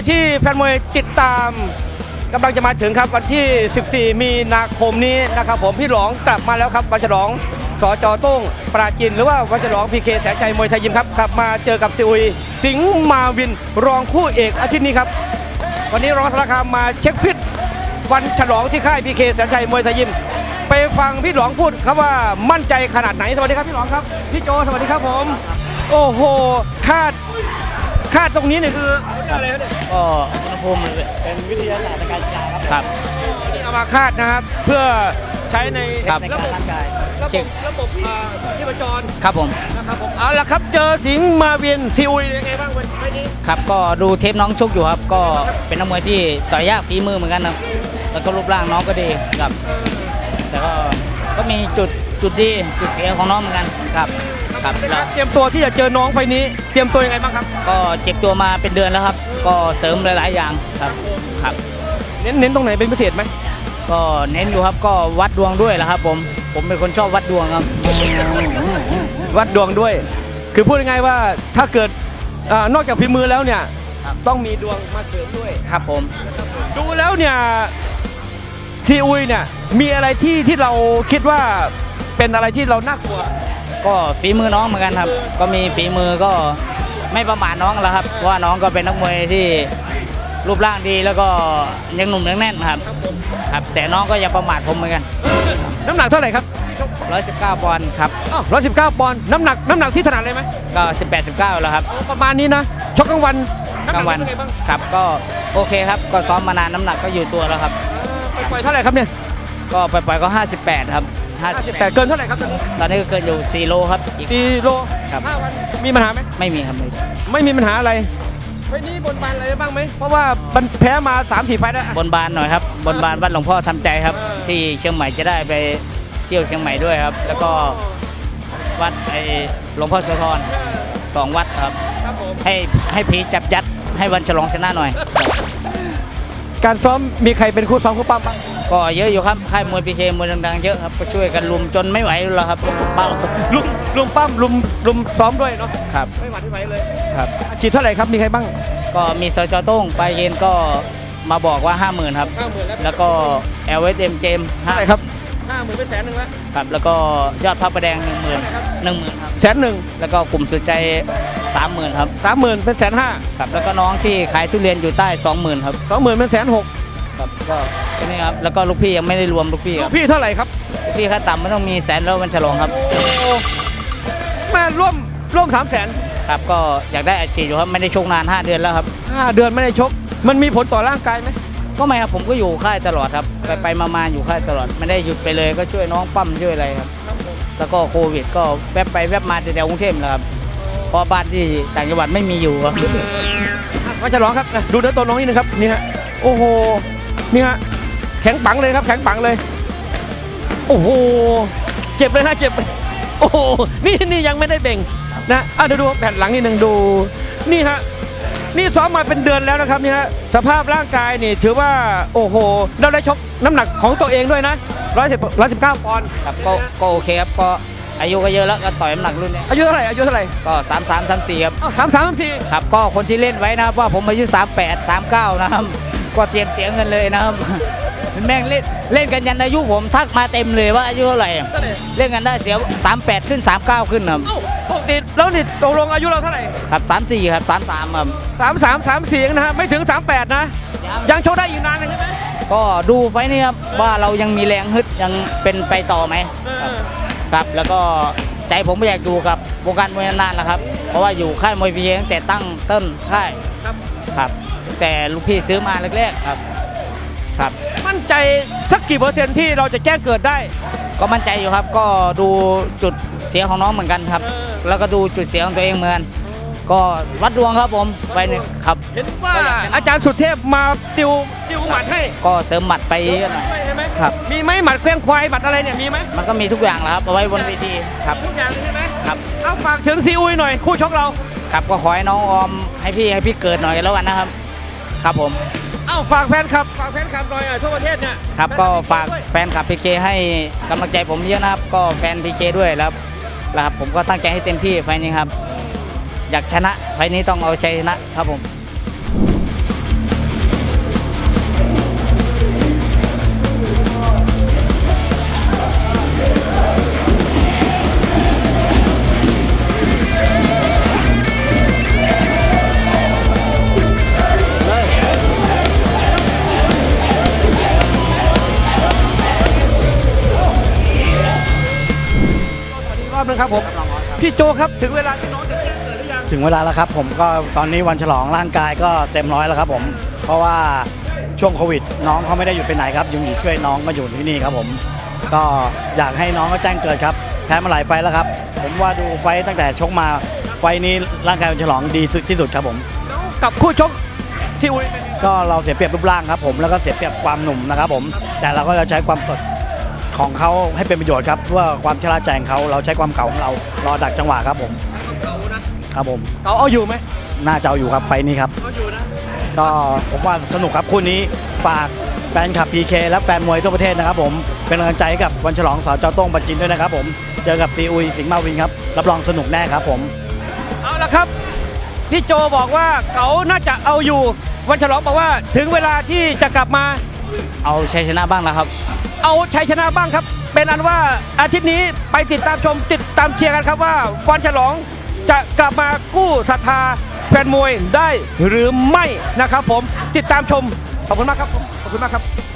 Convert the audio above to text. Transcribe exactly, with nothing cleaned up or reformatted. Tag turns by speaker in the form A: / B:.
A: ที่แฟนมวยติดตามกำลังจะมาถึงครับวันที่สิบสี่มีนาคมนี้นะครับผมพี่หลองกลับมาแล้วครับวันฉลองสจโต้งปราจินหรือว่าวันฉลองพีเคแสนชัยมวยไทยยิมครับกลับมาเจอกับซีอุยสิงห์มาวินรองคู่เอกอาทิตย์นี้ครับวันนี้รองสารคามมาเช็คพิษวันฉลองที่ค่ายพีเคแสนชัยมวยไทยยิมไปฟังพี่หลองพูดครับว่ามั่นใจขนาดไหนสวัสดีครับพี่หลองครับพี่โจสวัสดีครับผมโอ้โหคาดคาดตรงนี้เนี่ยคืออะไรครับเนี่ย
B: ก็อุณหภูมิ
C: เป็นวิทยาศาสตร์ในการกีฬาครับ
B: ครับ
A: นี่เอามาคาดนะครับเพื่อใช้ใน
B: ครับ
C: ใน
A: ระ
C: การ
A: บบ
C: ร่างกาย
A: ระบบระบบอ่าที่ประจร
B: ครับผม
A: นะครับผมเอาละครับเจอสิงห์มาเวียนซีอุยยังไงบ้างวันนี้
B: ครับก็ดูเทปน้องชกอยู่ครับ ก็เป็นนักมวยที่ต่อยยากฝีมือเหมือนกันครับแล้วก็รูปร่างน้องก็ดีครับแต่ก็ก็มีจุดจุดดีจุดเสียของน้องเหมือนกันครับครับแล้ว
A: เตรียมตัวที่จะเจอน้องไฟนี้เตรียมตัวยังไงบ้างครับ
B: ก็เจ็บตัวมาเป็นเดือนแล้วครับ ก็เสริมหลายๆอย่างครับครับ
A: เน้นเน้นตรงไหนเป็นพิเศษไหม
B: ก็เน้นอยู่ครับก็วัดดวงด้วยแหละครับผมผมเป็นคนชอบวัดดวงครับ
A: วัดดวงด้วย คือพูดง่ายๆว่าถ้าเกิดอ่านอกจากฝีมือแล้วเนี่ย
B: ครับ
A: ต้องมีดวงมาเสริมด้วย
B: ครับผม
A: ดูแล้วเนี่ยซีอุยเนี่ยมีอะไรที่ที่เราคิดว่าเป็นอะไรที่เราน่ากลัว
B: ก็ฝีมือน้องเหมือนกันครับ ก็มีฝีมือก็ไม่ประมาทน้องแล้วครับเพราะว่าน้องก็เป็นนักมวยที่รูปร่างดีแล้วก็ยังหนุ่มยังแน่นครับครับ แต่น้องก็อย่าประมาทผมเหมือนกัน
A: น้ำหนักเท่าไหร่ครับ
B: ร้อยสิบเก้าปอนด์ครับ
A: อ้าวร้อยสิบเก้าปอนด์น้ำหนักน้ำหนักที่ถนัดเลยไหม
B: ก็สิบแปด สิบเก้าแล้วครับ
A: ประมาณนี้นะชกกลางวัน
B: กลางวัน
A: ำหกเป็ไบ้าง
B: ครับก็โอเคครับก็ซ้อมมานานน้ำหนักก็อยู่ตัวแล้วครับ
A: ปล่อยเท่าไหร่ครับเนี่ย
B: ก็ปล่อยๆก็ห้าสิบแปดครับห้าสิบ
A: แต่
B: แปด
A: เกินเท่าไหร่ครับตอนนี้
B: ตอนนี้ก็เกินอยู่สี่โลครับอีก
A: สี่โล
B: ครับ
A: ห้าวันมีปัญหาไหม
B: ไม่มีครับไม่มี
A: ไม่มีปัญหาอะไรไฟนี้บนบานอะไรบ้างไหมเพราะว่ามันแพ้มาสามสี่ไฟล์แล้ว
B: บนบานหน่อยครับบนบานวัดหลวงพ่อทำใจครับ ที่เชียงใหม่จะได้ไปเที่ยวเชียงใหม่ด้วยครับ แล้วก็วัดไอ้หลวงพ่อโสธรสองวัดครับ
A: ครับผม
B: ให้ให้ผีจับยัดให้วันฉลองชนะหน่อย
A: การซ้อมมีใครเป็นคู่ซ้อมคู่ปั้มบ้าง
B: ก็เยอะอยู่ครับค่ายมวยพีเคมวยดังๆเยอะครับก็ช่วยกันลุมจนไม่ไหวแล้วครับบ้า
A: ลุมลุมปั้มลุมลุมซ้อมด้วยเนาะ
B: ครับ
A: ไม่หวั่นไม่ไหวเลย
B: ครับ
A: ฉีดเท่าไหร่ครับมีใครบ้าง
B: ก็มีสจโต้งไปเย็นก็มาบอกว่า ห้าหมื่นครับ
A: ห้าหมื่นแล้ว
B: แล้วก็ แอล เอส เอ็ม เจม
A: เท่าไหร่ครับห้าหมื่นเป็นแสนหนึ่งแล้ว
B: ครับแล้วก็ยอดพระประแดงหนึ่งหมื่นหนึ่งหมื่นครับ
A: แสนหนึ่ง
B: แล้วก็กลุ่มสุดใจสามหมื่นครับ
A: สามหมื่นเป็นแสนห้า
B: ครับแล้วก็น้องที่ขายทุเรียนอยู่ใต้สองหมื่นครับ
A: สองหมื่นเป็นแสนหก
B: ครับก็แค่นี้ครับแล้วก็ลูกพี่ยังไม่ได้รวมลูกพี่ครับ
A: พี่เท่าไหร่ครับ
B: ลูกพี่ค่าต่ำไม่ต้องมีแสนแล้ววันฉลองครับ
A: แม่ร่วมร่วมสามแสน
B: ครับก็อยากได้อาชีพอยู่ครับไม่ได้ชกนานห้าเดือนแล้วครับ
A: ห้าเดือนไม่ได้ชก มันมีผลต่อร่างกายไหม
B: ก็ไม่ครับผมก็อยู่ค่ายตลอดครับไปไปมามาอยู่ค่ายตลอดไม่ได้หยุดไปเลยก็ช่วยน้องปั้มช่วยอะไรครับ แล้วก็โควิดก็แวบไปแวบมาแถวๆกรุงเทพแหละครับเพราะบ้านที่ต่างจังหวัดไม่มีอยู่ครับ
A: มาฉลองครับนะดูเนื้อตัวน้องนิดนึงครับนี่ฮะโอ้โหนี่ฮะแข็งปังเลยครับแข็งปังเลย โอ้โหเจ็บเลยนะเจ็บโอ้โหนี่นี่ยังไม่ได้เบ่งนะอ่ะเดี๋ยวดูแผ่นหลังนิดนึงดูนี่ฮะนี่ซ้อมมาเป็นเดือนแล้วนะครับนี่ฮะสภาพร่างกายนี่ถือว่าโอ้โหเราได้ชกน้ำหนักของตัวเองด้วยนะร้อยสิบร้อยสิบเก้าปอนด์
B: ครับก็ก็โอเคครับก็อายุก็เยอะแล้วก็ต่อยน้ำหนักรุ่นนี้
A: อายุเท่าไหร่อายุเท่าไหร่
B: ก็สามสามสามสี่ครับ
A: สามสามสามสี่
B: ครับก็คนที่เล่นไว้นะครับว่าผมอายุสามแปด สามเก้านะครับก็เตรียมเสียเงินเลยนะครับ แม่งเล่นเล่นกันยันอายุผมทักมาเต็มเลยว่าอายุเท่าไหร่เล่นกันได้เสียสามแปดขึ้นสามเก้าขึ้นครับ
A: เอ้าปกติแล้วนี่ตกลงอายุเราเท่าไหร่
B: ครับสามสี่ครับสามสามครับ
A: สามสามสามสี่นะฮะไม่ถึงสามแปดนะยังโชว์ได้อีกนานเลยใช่ไหม
B: ก็ดูไฟล์นี้ครับว่าเรายังมีแรงฮึดยังเป็นไปต่อไหมครับครับแล้วก็ใจผมไม่อยากอยู่กับวงการมวยนานๆแล้วครับเพราะว่าอยู่ค่ายมวยพีเอตั้งแต่ตั้งต้นค่าย
A: ครับ
B: ครับแต่ลูกพี่ซื้อมาแรกๆครับครับ
A: มั่นใจสักกี่เปอร์เซ็นต์ที่เราจะแจ้งเกิดได้
B: ก็มั่นใจอยู่ครับก็ดูจุดเสียของน้องเหมือนกันครับ แล้วก็ดูจุดเสียของตัวเองเหมือนกันก็วัดดวงครับผมไปหนึ่งครับ
A: เห็นว่าอาจารย์สุเทพมาติวติวหมัดให้
B: ก็เสริมหมัดไปเยอะหน่อย
A: ใช่ไหม
B: ครับ
A: มีไหมหมัดเคลื่อนควายหมัดอะไรเนี่ยมีไหม
B: มันก็มีทุกอย่างแหล้วครับเอาไว้บนเวทีครับ
A: ทุกอย่างเลยใช่ไหม
B: ครับ
A: เอาฝากถึงซีอุยหน่อยคู่ชกเรา
B: ครับก็ขอให้น้องออมให้พี่ให้พี่เกิดหน่อยกันแล้วกันนะครับ ครับผม
A: เอ้าฝากแฟนคลับฝากแฟนคลับหน่อยอ่ะทั่วประเทศเนี่ย
B: ครับก็ฝากแฟนคลับพีเคให้กำลังใจผมเยอะนะครับ ก็แฟนพีเคด้วยแล้วนะครับผมก็ตั้งใจให้เต็มที่ไฟล์นี้ครับ อยากชนะไฟล์นี้ต้องเอาชัยชนะครับผม
A: ครับผมพี่โจครับถึงเวลาที่น้องจะแจ้งเกิดหรือยัง
C: ถึงเวลาแล้วครับผมก็ตอนนี้วันฉลองร่างกายก็เต็มร้อยแล้วครับผมเพราะว่าช่วงโควิด น้องเขาไม่ได้หยุดไปไหนครับยังอยู่ช่วยน้องก็อยู่ที่นี่ครับผมก็อยากให้น้องก็แจ้งเกิดครับแพ้มาหลายไฟล์แล้วครับผมว่าดูไฟล์ตั้งแต่ชกมาไฟล์นี้ร่างกายวันฉลองดีสุดที่สุดครับผม
A: กับคู่ชกซิอุยเป็นไง
C: ก็เราเสียเปรียบรูปร่างครับผมแล้วก็เสียเปรียบความหนุ่มนะครับผมแต่เราก็จะใช้ความสดของเขาให้เป็นประโยชน์ครับว่าความชราใจของเขาเราใช้ความเก่าของเรารอดักจังหวะครับผม
A: เก่านะครับ
C: ผม
A: เก่าเอาอยู่ไหม
C: น่าจะเอาอยู่ครับไฟล์นี้ครับ
A: เอาอยู่นะ
C: ก็ผมว่าสนุกครับคู่นี้ฝากแฟนคลับ พี เค และแฟนมวยทั่วประเทศนะครับผมเป็นกำลังใจให้กับวันฉลองสจโต้งปัจจินด้วยนะครับผมเจอกับซีอุยสิงห์มาวินครับรับรองสนุกแน่ครับผม
A: เอาละครับพี่โจบอกว่าเก๋าน่าจะเอาอยู่วันฉลองบอกว่าถึงเวลาที่จะกลับมา
B: เอาชัยชนะบ้างนะครับ
A: เอาชัยชนะบ้างครับ เป็นอันว่าอาทิตย์นี้ไปติดตามชมติดตามเชียร์กันครับว่าวันฉลองจะกลับมากู้ศรัทธาแฟนมวยได้หรือไม่นะครับผมติดตามชมขอบคุณมากครับผมขอบคุณมากครับ